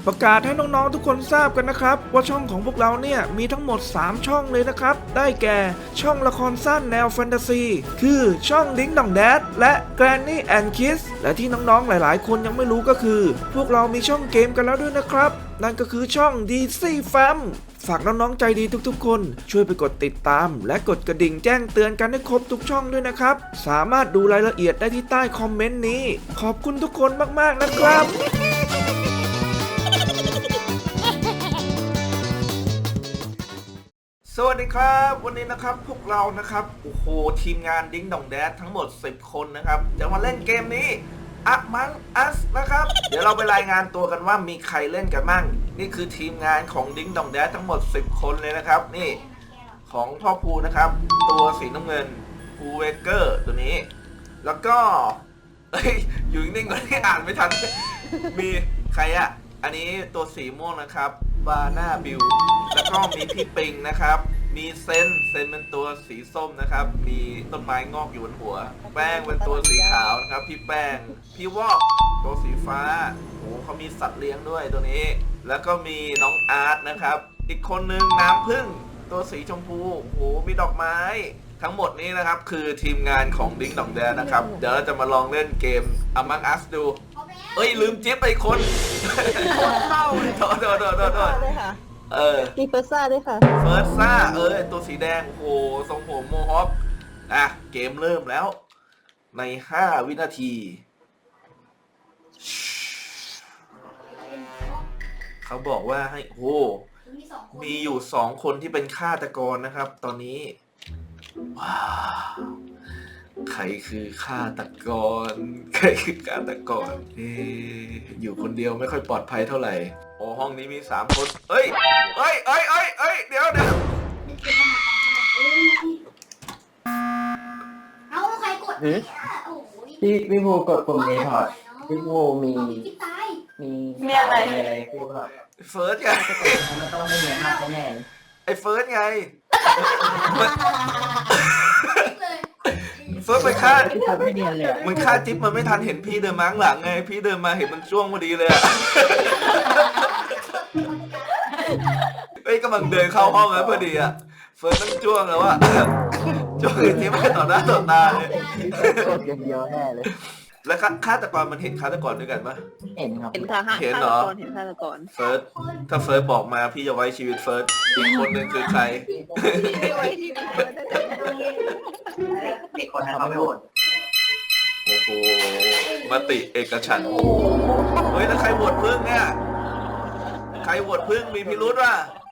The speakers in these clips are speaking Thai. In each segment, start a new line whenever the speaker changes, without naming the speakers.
ประกาศให้น้องๆทุกคนทราบกันนะครับว่าช่องของพวกเราเนี่ยมีทั้งหมด3ช่องเลยนะครับได้แก่ช่องละครสั้นแนวแฟนตาซีคือช่องดิ้งดองแดดและ Granny and Kids และที่น้องๆหลายๆคนยังไม่รู้ก็คือพวกเรามีช่องเกมกันแล้วด้วยนะครับนั่นก็คือช่อง DC Fam ฝากน้องๆใจดีทุกๆคนช่วยไปกดติดตามและกดกระดิ่งแจ้งเตือนกันให้ครบทุกช่องด้วยนะครับสามารถดูรายละเอียดได้ที่ใต้คอมเมนต์นี้ขอบคุณทุกคนมากๆนะครับ สวัสดีครับวันนี้นะครับพวกเรานะครับโอ้โหทีมงานดิ้งดองแดดทั้งหมด10คนนะครับจะมาเล่นเกมนี้Among Usนะครับเดี๋ยวเราไปรายงานตัวกันว่ามีใครเล่นกันมั่งนี่คือทีมงานของดิ้งดองแดดทั้งหมด10คนเลยนะครับนี่ของพ่อภูนะครับตัวสีน้ำเงินภูเวเกอร์ตัวนี้แล้วก็อยู่นิ่งๆก่อนที่อ่านไม่ทันมีใครอะอันนี้ตัวสีม่วงนะครับบาน่าบิวแล้วก็มีพี่ปิงนะครับมีเซนเป็นตัวสีส้มนะครับมีต้นไม้งอกอยู่บนหัวแป้งเป็นตัวสีขาวนะครับพี่แป้งพี่วอกตัวสีฟ้าโอ้เขามีสัตว์เลี้ยงด้วยตัวนี้แล้วก็มีน้องอาร์ตนะครับอีกคนนึงน้ำผึ้งตัวสีชมพูโอ้มีดอกไม้ทั้งหมดนี้นะครับคือทีมงานของดิ้งดองแดนนะครับเดี๋ยวเราจะมาลองเล่นเกม Among Us ดูเอ้ยลืมจิ๊บไปคนเศร้าเลยโทษ
มีเฟอร์ซ่าด้วยค่ะ
เฟิร์สซ่าตัวสีแดงโอ้โหทรงผมโมฮอคเกมเริ่มแล้วใน5 วินาทีเขาบอกว่าให้โอ้มีอยู่2คนที่เป็นฆาตกรนะครับตอนนี้ว้าวใครคือฆาตกรอยู่คนเดียวไม่ค่อยปลอดภัยเท่าไหร่โอ้ห้องนี้มี3คนเอ้ยเดี๋ยว
เอาใครกดโอ้โห
พี่ภูกดปุ่มรีพอร์ตพี่ภูมีอะไรพี่ภู
เฟิร์สไง
มันต้องไม่เหมือนมากแน่
ไอ้เฟิร์สไงเฟิร์สไปฆ่า
พี่ทำไม่เนียนเลย
มันฆ่าจิ๊บมันไม่ทันเห็นพี่เดินมาข้างหลังไงพี่เดินมาเห็นมันจ้วงพอดีเลยอะเฮ้ยกำลังเดินเข้าห้องแล้วพอดีอะเฟิร์สต้องจ้วงแล้วอะจ้วงไอ้จิ๊บไปต่อหน้าต่อตาเลย
กดอย่างเดียวแน่เลย
แล้วฆาตกรมันเห็นฆาตกรด้วยกันปะ
เห็นครับ
เห็นค่ะ
เห็นเหรอ
เห็นฆาตกร
เฟิร์สถ้าเฟิร์สบอกมาพี่จะไว้ชีวิตเฟิร์สอีกคนนึงคือใคร
มีคนทำไม่โหวต
โอ้โหมติเอกฉันท์เฮ้ยแล้วใครโหวตพึ่งเนี่ยใครโหวตพึ่งมีพิรุธว่ะ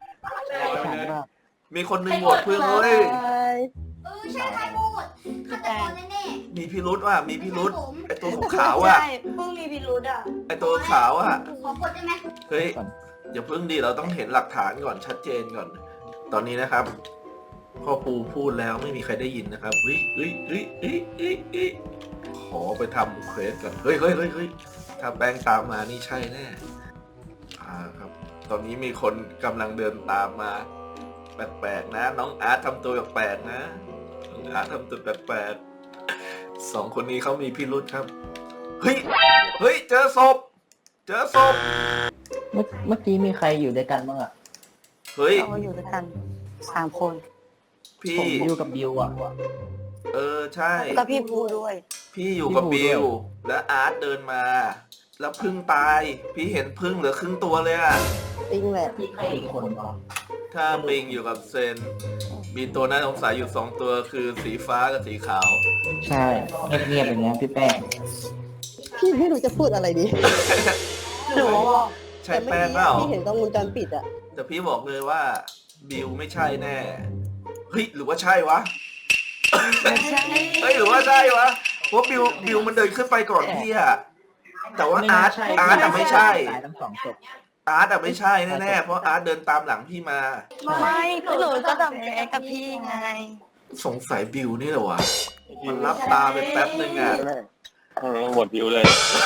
มีคนหนึ่งโหวตพึ่งเฮ้ย
ใช่ใครพูดฆาตกรแน่
มีพิรุธว่ะมีพิรุธไอตัวขาวอ่ะ
ใช่เพิ่งมีพิรุธอ่ะ
ไอตัวขาวอ่ะ
ๆขอกดได้ไหม
เฮ้ยอย่าพึ่งดิเราต้องเห็นหลักฐานก่อนชัดเจนก่อน ตอนนี้นะครับพ่อปูพูดแล้วไม่มีใครได้ยินนะครับเฮ้ยขอไปทำเควสก่อนเฮ้ยถ้าแป้งตามมานี่ใช่แน่ครับตอนนี้มีคนกำลังเดินตามมาแปลกๆนะน้องอาร์ตทำตัวแปลกๆนะน้องอาร์ตทำตัวแปลกๆ2 คนนี้เขามีพิรุธครับเฮ้ยเจอศพ
เมื่อกี้มีใครอยู่ด้วยกันบ้างอ่ะ
เฮ้ย
เราอยู่ด้วยกัน3 คน
พี่
ผมอยู่กับบิวอ่ะ
ใช่
ก็พี่ภูด้วย
พี่อยู่กับบิวและอาร์ตเดินมาแล้วพึ่งตายพี่เห็นพึ่งเหลือครึ่งตัวเลยอะ
จริงแหละ
พี่ใครอีกคนเหรอ
ถ้าปิงอยู่กับเซนมีตัวน่าสงสัยอยู่2 ตัวคือสีฟ้ากับสีขาว
ใช่เงียบๆอย่างเงี้ยพี่แป้ง
พี่ไม่รู้จะพูดอะไรดีหนู
ใช่แป้งเปล่า
พี่เห็นกล้องวงจรปิดอะ
แต่พี่บอกเลยว่าบิวไม่ใช่แน่เฮ้ยหรือว่าใช่วะเฮ้ยหรือว่าใช่วะเพราะบิวมันเดินขึ้นไปก่อนพี่อะแต่ว่าอาร์ตอะไม่ใช่
ตายทั้ง2ศพ
อาร์ตอะไม่ใช่แน่ๆเพราะอาร์ตเดินตามหลังพี่มา
ไม่หนูก็ดับแกกับพี่ไง
สงสัยบิวนี่เหรอวะมันรับตาไปแป๊บนึงอะ
หมดวิวเลย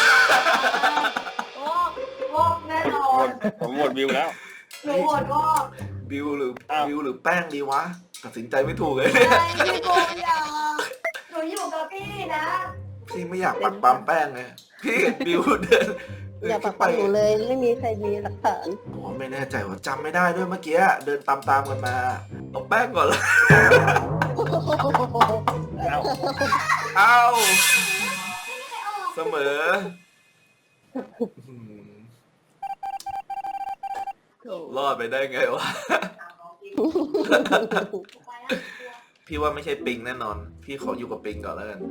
วอกแน่นอน
ผมหมดวิวแล้ว
หนูโหวตวอก
บิวหรือแป้งดีวะตัดสินใจไม่ถูกเลย
พี่โบอย่าหนูอยู่กับพี่นะ
พี่ไม่อยากปักปั๊มแป้งไงพี่บิวเดิน
อย่าปักปันหนูเลยไม่มีใครมีหลักฐาน
ผมไม่แน่ใจว่าจำไม่ได้ด้วยเมื่อกี้เดินตามกันมาเอาแป้งก่อนเลย เอา
ใครออก
เสมอรอดไปได้ไงวะ พี่ว่าไม่ใช่ปิงแน่นอน พี่ขออยู่กับปิงก่อนแล้วกัน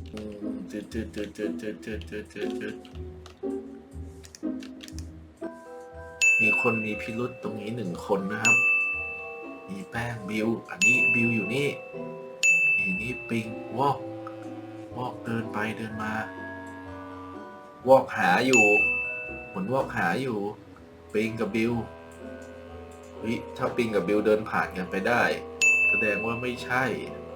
มีคนมีพิรุษตรงนี้1 คนนะครับ มีแป้งบิว อันนี้บิวอยู่นี่นี่ปิงวอกเดินไปเดินมาวอกหาอยู่เหมือนวอกหาอยู่ปิงกับบิวเฮ้ยถ้าปิงกับบิวเดินผ่านกันไปได้แสดงว่าไม่ใช่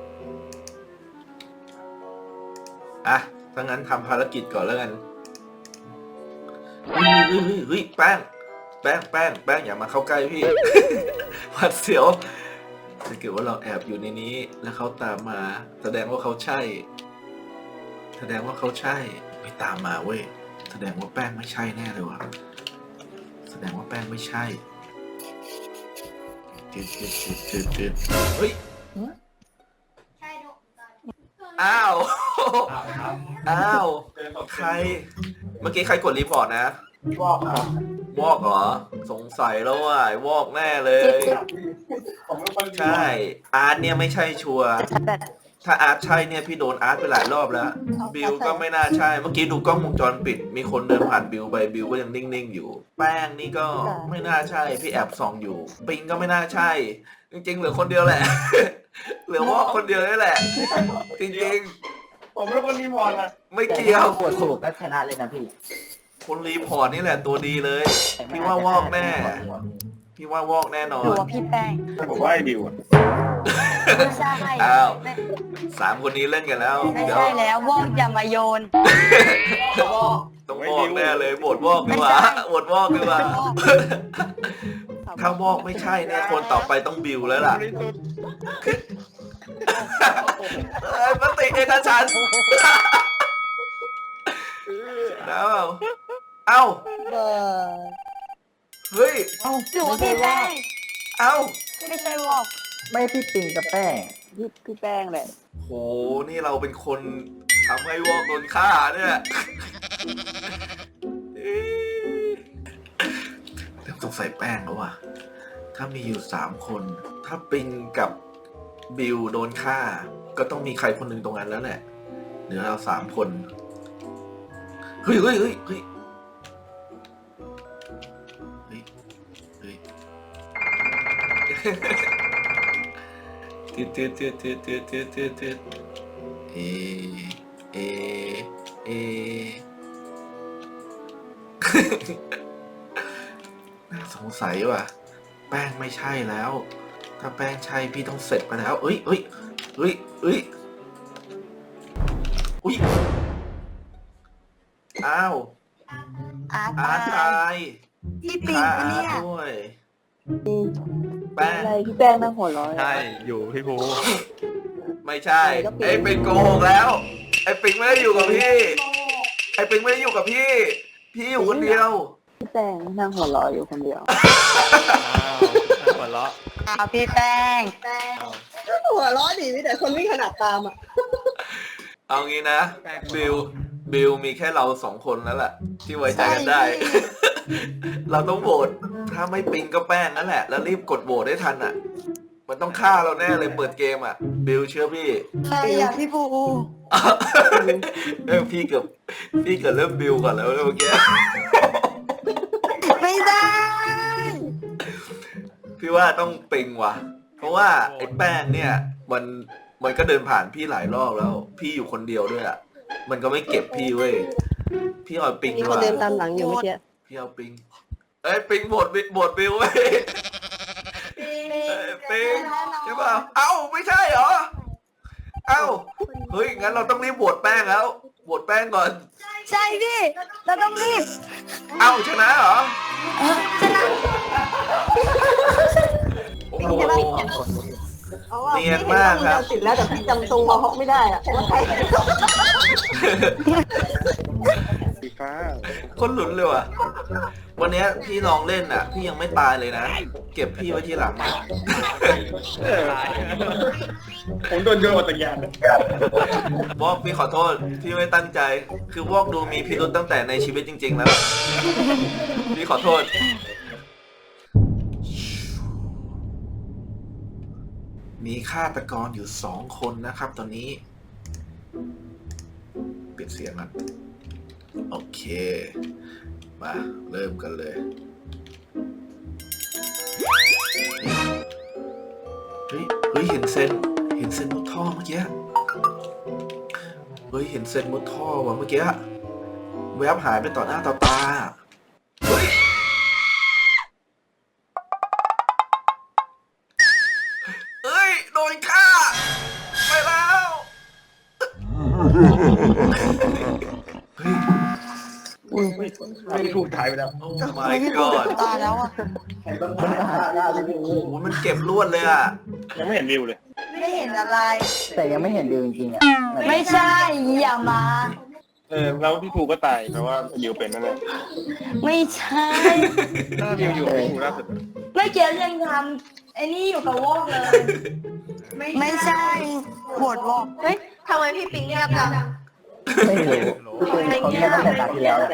อ่ะถ้างั้นทำภารกิจก่อนแล้วกันเฮ้ยแป้งอย่ามาเข้าใกล้พี่ หวาดเสียวถ้าเกิดว่าเราแอบอยู่ในนี้แล้วเขาตามมาแสดงว่าเขาใช่ไม่ตามมาเว้ยแสดงว่าแป้งไม่ใช่แน่เลยว่ะแสดงว่าแป้งไม่ใช่จืดเฮ้ย
ใช่ดู
อ้าวใครเมื่อกี้ใครกดรีพอร์ตนะ
บอกครับ
วอกเหรอสงสัยแล้วว่าวอกแน่เลย
ผมเป็นคน
ใช่อาร์ตเนี่ยไม่ใช่ชัวร์ถ้าอาร์ตใช่เนี่ยพี่โดนอาร์ตไปหลายรอบแล้วบิวก็ไม่น่าใช่เมื่อกี้ดูกล้องวงจรปิดมีคนเดินผ่านบิวไปบิวก็ยังนิ่งๆอยู่แป้งนี่ก็ไม่น่าใช่พี่แอบส่องอยู่ปิงก็ไม่น่าใช่จริงๆเหลือคนเดียวแหละ เหลือวอกคนเดียวนี่แหละ จริง
ผมเป็นคนรีพอร์ตนะ
ๆไม่เกี่ยว
กดถูกก็ชนะเลยนะพี่
คนรีพอร์ตนี่แหละตัวดีเลย พี่ว่าวอกแน่ พี่ว่าวอกแน่นอ
หนู
น
ว่าพี่แป้ง
ผมว่าไอ้บิวอะ
ไม่ใช่
อ้าว
ไม่
3 คนนี้เล่นกันแล้ว
ไม่
เดี๋ยว
ใช่แล้ววอกอย่ามาโยน
ต้องวอกแน่เลยโหวตวอกดีกว่าโหวตวอกดีกว่า ถ้าวอกไม่ใช่เนี่ยคนต่อไปต้องบิวแล้วล่ะ
บริสุทธิ์
มติเอกฉันท์แล้วเอ้า
เบอร์
เฮ้ย
หนูว่าพี่แป้ง
เอ้า
ไม่ใช่วอก
ไม่พี่ปิงกับแป้ง
พี่แป้งแหละ
โหนี่เราเป็นคนทำให้วอกโดนฆ่าเนี่ยเริ่มสงสัยแป้งแล้วว่ะถ้ามีอยู่3 คนถ้าปิงกับบิวโดนฆ่าก็ต้องมีใครคนหนึ่งตรงนั้นแล้วแหละเหลือเรา3 คนเฮ้ยตืดเอ น่าสงสัยว่ะแป้งไม่ใช่แล้วถ้าแป้งใช่พี่ต้องเสร็จไปแล้วอุ้ยอ้าว
อาร์ต
อาร์ต
ตา
ตาย ย
พี่ปิงปะเนี่ย
ฆ่าอาร์ตด้วยแป้ง
อะไรพี่แป้งนั่งหัวเร้อย
ใช่อยู่พี่ภู
ไม่ใช่ไอ้ปิงโกหกแล้วไอ้ปิงไม่ได้อยู่กับพี่ไอ้ปิงไม่ได้อยู่กับพี่อยู่คนเดียว
พี่แป้งนั่งหัวเร้อยอยู่คนเดียว
หัวเราะ
พี่แป้ง
หัวเร้อยดีมีแต่คนวิ่งขนาดตามอ่ะ
เอางี้นะบิวมีแค่เรา2 คนแล้วแหละที่ไว้ใจกันได้ เราต้องโหวตถ้าไม่ปิงก็แป้งนั่นแหละแล้วรีบกดโหวตได้ทันอ่ะ มันต้องฆ่าเราแน่เลยเปิดเกมอ่ะบิวเชื่อพี่
ใช่อ่ะพี่ปู
พี่เกือบเริ่มบิวก่อนแล้วเมื่อกี้
ไม่ได้
พี่ว่าต้องปิงว่ะ เพราะว่าไอ้แป้งเนี่ยมันก็เดินผ่านพี่หลายรอบแล้ว พี่อยู่คนเดียวด้วยอ่ะมันก็ไม่เก็บพี่เว้ยพี่เอาปิง
มี
ดีก
คน
ว่า
เดินตามหลังอยู่เมื่อกี้
พี่เอาปิงเอ้ยปิงโหวตบิวเว้ยปิงใช่ป่ะเอ้าไม่ใช่เหรอเอ้าเฮ้ยงั้นเราต้องรีบโหวตแป้งแล้วโหวตแป้งก่อน
ใช่พี่เราต้องรีบ
เอ้าชนะเหรอ
ชนะ
โอ้โห
เอาว่า
เนียนมากครับ
ติดแล้วแต่พี่จำทรงเขาไม่ได้อ่ะว่าใคร
ฟ้า
คนหลุนเลยว่ะวันเนี้ยพี่ลองเล่นอ่ะ พี่ยังไม่ตายเลยนะ เก็บพี่ไว้ที่หลังอะ
ผมโดนโยนออกจากยาน
วอกพี่ขอโทษ พี่ไม่ตั้งใจ คือวอกดูมีพิรุธตั้งแต่ในชีวิตจริง ๆ แล้ว พี่ขอโทษ มีฆาตกรอยู่2 คนนะครับตอนนี้ ปิดเสียงกันโอเค มาเริ่มกันเลย เฮ้ย เห็นเซนมุดท่อเมื่อกี้ เฮ้ย เห็นเซนมุดท่อว่ะเมื่อกี้ แวบหายไปต่อหน้าต่อตา เฮ้ย เฮ้ย โดนฆ่า ไปแล้ว เฮ้ย
ไม่ถูกถ่ายไปแล้ว
โอ้ my god
ตายแล้วอ่ะ
ใครต้องมาหน้าพี่
โอ้โหมันเก็บลวดเลยอ่ะ
ยังไม่เห็นวิวเลย
ไม่เห็นอะไร
แต่ยังไม่เห็นดิวจริงๆอ่ะ
ไม่ใช่อย่ามา
แล้วพี่ภูก็ตายแปลว่าวิวเป็นนั่นแหละ
ไม่ใช่
ถ้าวิวอยู่พี่ภูล่าสุด
ไม่เกี่ยวยังทำไอ้นี่อยู่กับวอกเลย ไม่ใช่ปวดวอกเฮ้ยทำไมพี่ปิงเงียบจัง
ไม่รู้พี่เป็นเขาแค่ตั้งแต่ตาที่แล้วแหละ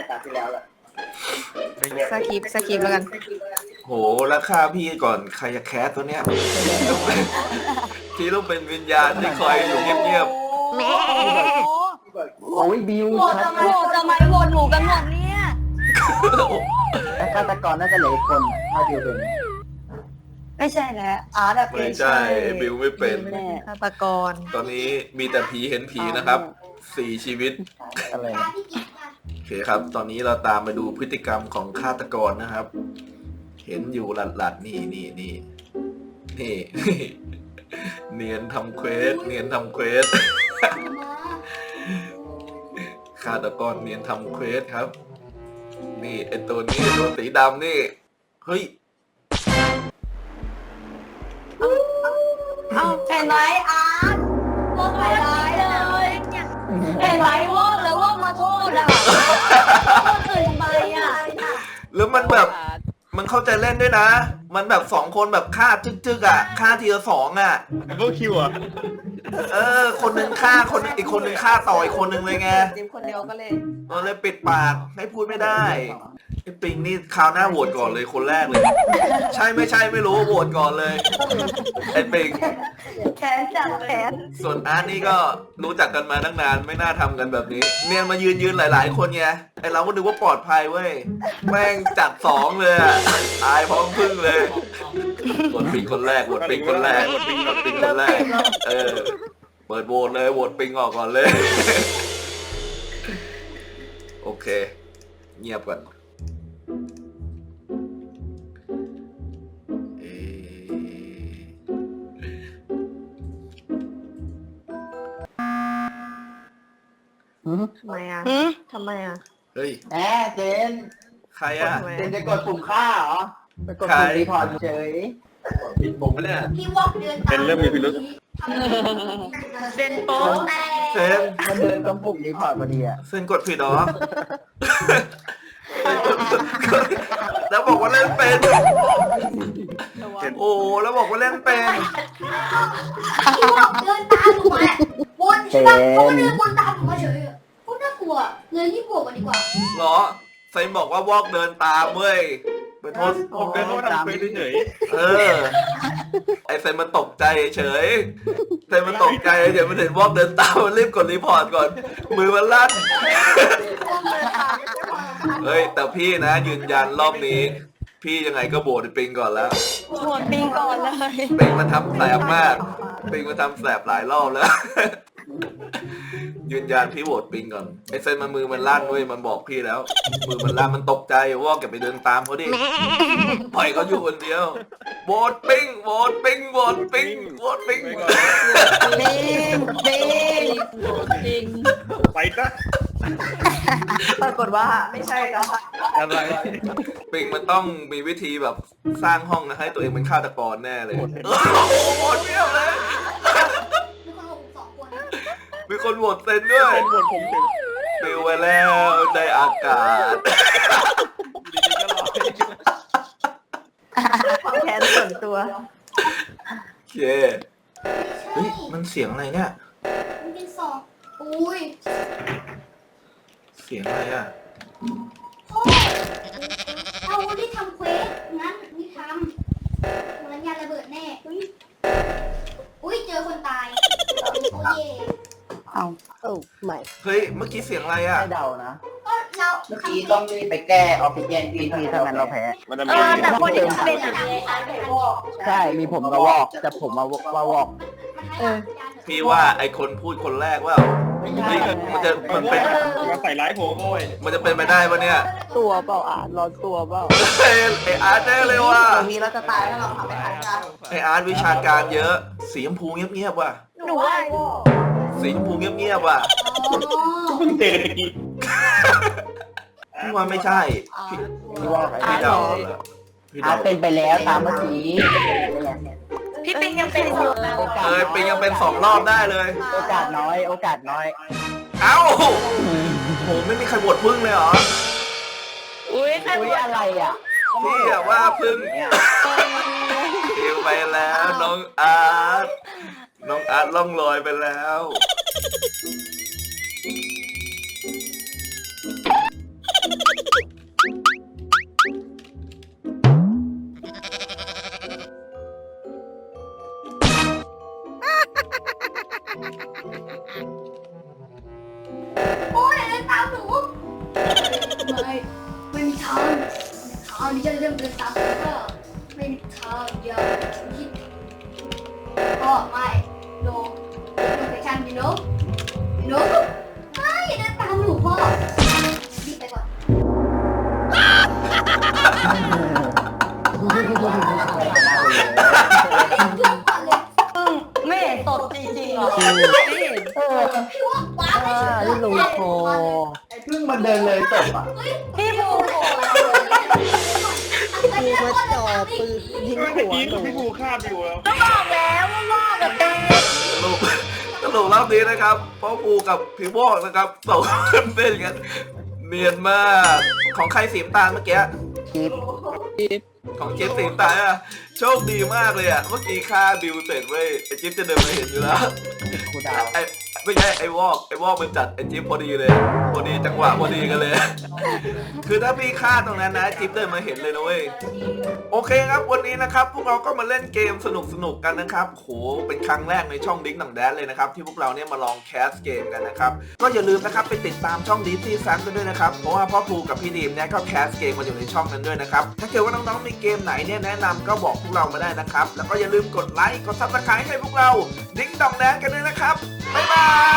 สกิปแล้วกัน
โหแล้วฆ่าพี่ก่อนใครจะแคสตัวเนี้ย พี่ต้องเป็นวิญญาณที่คอยอยู่เงียบ
โอ้ยบิว
โหวต
ชัด
ทำไมโหวตหนูกันหมดเนี่ย
ๆ
แต่ฆาตกรน่าจะเหลืออีกคนถ้าบิวเป็น
ไม่ใช่แล้วอาร์ต
ไม่ใช่บิวไม่เป็น
ฆาตกร
ตอนนี้มีแต่ผีเห็นผีนะครับ4 ชีวิต
อะไร
ตา
นะ
ที่กินกัน
โอเคครับ ตอนนี้เราตามไปดูพฤติกรรมของฆาตกรนะครับ เห็นอยู่หลัดๆนี่ เนียนทำเควส ฆาตกรเนียนทำเควสครับ นี่ไอตัวนี้ตัวสีดำนี่ เฮ้ย
เอ้าเห็นไหมอาร์ตวอกไปร้ายเลยเห็นไหมวอกแล้ววอกมาโทษอ่ะคนอื่นทำไมอ่ะ
แล้วมันแบบ มันเข้าใจเล่นด้วยนะ มันแบบ2 คนแบบฆ่าจึกๆอ่ะฆ่าทีละ2อ่ะ
ดับเบิลคิวอ่ะ
คนหนึ่งฆ่าอีกคนหนึ่งฆ่าต่ออีกคนหนึ่งเลยไง
จิ้มคนเดียวก็เลย
เลยปิดปากให้พูดไม่ได้ไอ้ปิงนี่คราวหน้าโหวตก่อนเลยคนแรกเลย ใช่ไม่ใช่ไม่รู้โหวตก่อนเลยไอ้ปิง
แขนจัดแขน
ส่วนอาร์ตนี่ก็รู้จักกันมาตั้งนานไม่น่าทำกันแบบนี้เนียนมายืนหลายๆคนไงไอเราก็นึกว่าปลอดภัยเว้ยแม่งจัด2เลยอะตายพร้อมพึ่งเลยโหวตปิงคนแรกเปิดโหวตเลยโหวตปิงออกก่อนเลยโอเคเงียบก่อน
ทำไมอ่ะทำไมอ่ะ
เฮ้ย
แหมเจน
ใครอ่ะ
เจนจะกดปุ่มฆ่าเหรอไปกดปุ่มรีพอร์ตเฉย
ปิดผมเนี่ย
พี่วอกเดินตาม
เป็นเรื่องมีพิรุธ
เป็นโป๊ะแต่
เซน
มันเดินตรงปุ่มรีพอร์ตพอดีอ่ะ
เซนกดผิดเหรอ แล้วบอกว่าเล่นเป็นโอ้แล้วบอกว่าเล่นเป็น
พี่วอกเดินตามหนูมาวนใช่ปะเขาก็เดินวนตามหนูมาเฉยอะโคตรน่ากลัวเลยรีบบวกกันดีกว่า
เหรอเซนบอกว่าวอกเดินตามเว้ยไปโทษ
ผมเป็นเขาทำเควสเฉย
ไอเซนมันตกใจเฉยเซนมันตกใจเดี๋ยวมันเห็นวอกเดินตามมันรีบกดรีพอร์ตก่อนมือมันลั่นเฮ้ยแต่พี่นะยืนยันรอบนี้ พี่ยังไงก็โบดปิงก่อนแล้ว
โหวตปิงก่อนเลย
ปิงมันทำแสบมากปิงมันทำแสบหลายรอบแล้ว ยืนยันพี่โหวตปิงก่อนไอเซนมันมือมันลั่นเว้ยมันบอกพี่แล้ว มือมันลั่นมันตกใจว่าแกไปเดินตามเขาดิปล่อยเขาอยู่คนเดียวโหวตปิงโหวตปิงโหวตปิงโหวตปิง
ปิง
ไปซะ
ปรากฏว่าไม่ใช่แล้ว
อะไร
ปิงมันต้องมีวิธีแบบสร้างห้องนะให้ตัวเองเป็นฆาตกรแน่เลยโหวตเปี้ยวเลย
มีคนบอก2 คน
มีคนโหวตเซนด้วย
เป็นหมดผมถึง
ปิวไปแล้วในอากาศ
แค้นส่วนตัว
โอเคเฮ้ยมันเสียงอะไรเนี่ย
มันเป็นสองอุ้ย
เสียงอะไรอ่ะ
พ่อเอาที่ทำเควสงั้นนี่ทำมันยาระเบิดแน่อุ้ยเจอคนตายโอ้ย
เอาใหม่
เฮ้ยเมื่อกี้เสียงอะไรอ่ะ
ไม่เดานะ
ก็เรา
เมื่อกี้ต้องรีบไปแก้ออกซิเจนพีถ้างั้นเราแพ้
มันจะ
เอ
มี
อแต่คนที่เป็นอะ
ใช่มีผมกระวอกแต่ผมมาวอก
พี่ว่าไอคนพูดคนแรกว่า
ไม่ใช่
มันเป็น
มาใส่ร้ายผมโอ้ย
มันจะเป็นไปได้ปะเนี่ย
ตัวเปล่าร้อนตัวเปล่า
เฮ้ยไออาร์ตแน่เลยว่ะ
มีเราจะตายถ้าเราทำไม่ทันกัน
ไออาร์ตวิชาการเยอะสีชมพูเงียบๆว่ะ
หนูว่า
สีชมพูเงียบๆว่ะ
เพิ่งเจอกันตะกี้
พี่ว่าไม่ใช่พี่
พี่ว่า
พี่เดาแล้วพี่
อา
เดา
เป็นไปแล้วตามเมื่อกี้
พี่ปิงยังเป็นอยู่นะ
เป็นยังเป็น2 รอบได้เลย
โอกาสน้อย โอกาสน้อย
เอ้าโหไม่มีใครบวชพึ่งเลยเหรอ
อุ้ยใคร
อุ้ยอะไรอ่ะ
พี่อะว่าพึ่งปิวไปแล้วน้องอาร์ตล่องลอยไปแล้ว
โอ้ยเดินตามหนูไม่มีทางที่จะเดินตามก็ไม่มีทางอย่าคิดก็ไม่โนเฟชั่นดิโนไม่อย่าเดินตามหนูพ่อรีบไปก่อนรีบก่อนเลย
ไม่เห็นตดจริงๆหรอ
พี่ว่าว้าไม่ฉุด
ที่ลงคอ
ไอ้พึ่งมันเดินเลยตบอ่ะ
พี่ภู
คือมาจ่อปืนยิง
เมื่อ
หัว
กี้
หนู
พี่ภูฆ่าบิวแล้ว
ก็บอกแล้วว่าว่ากับเป็น
สรุปรอบนี้นะครับพ่อปูกับพี่วอกนะครับสองคนเป็นกันเนียนมากของใครสีน้ำตาลเมื่อกี้
คลิป
ของจิ๊บสีน้ำตาลอะโชคดีมากเลยอะเมื่อกี้ฆ่าบิวเสร็จเว้ยไอจิ๊บจะเดินมาเห็นอยู่แล้ว
ครูดาว
ไอไม่ใช่ไอวอกมันจัดไอจิ๊บพอดีเลยพอดีจังหวะพอดีกันเลย คือถ้าพี่ฆ่าตรงนั้นนะจิ๊บเดินมาเห็นเลยนะเว้ยโอเคครับวันนี้นะครับพวกเราก็มาเล่นเกมสนุกกันนะครับโหเป็นครั้งแรกในช่องดิ้งหนังแดนเลยนะครับที่พวกเราเนี่ยมาลองแคสเกมกันนะครับก็อย่าลืมนะครับไปติดตามช่องดีซี่ซันกันด้วยนะครับเพราะว่าพ่อภูกับพี่ดีมเนี่ยก็แคสเกมมาอยู่ในช่องนั้นด้วยนะครับถ้าเกิดว่าน้องๆมีเกมไหนเนี่ยแนะนำก็บอกพวกเรามาได้นะครับแล้วก็อย่าลืมกดไลค์กดซับสไครต์ให้พวกเราดิ้งดองแดนกันด้วยนะครับบ๊ายบาย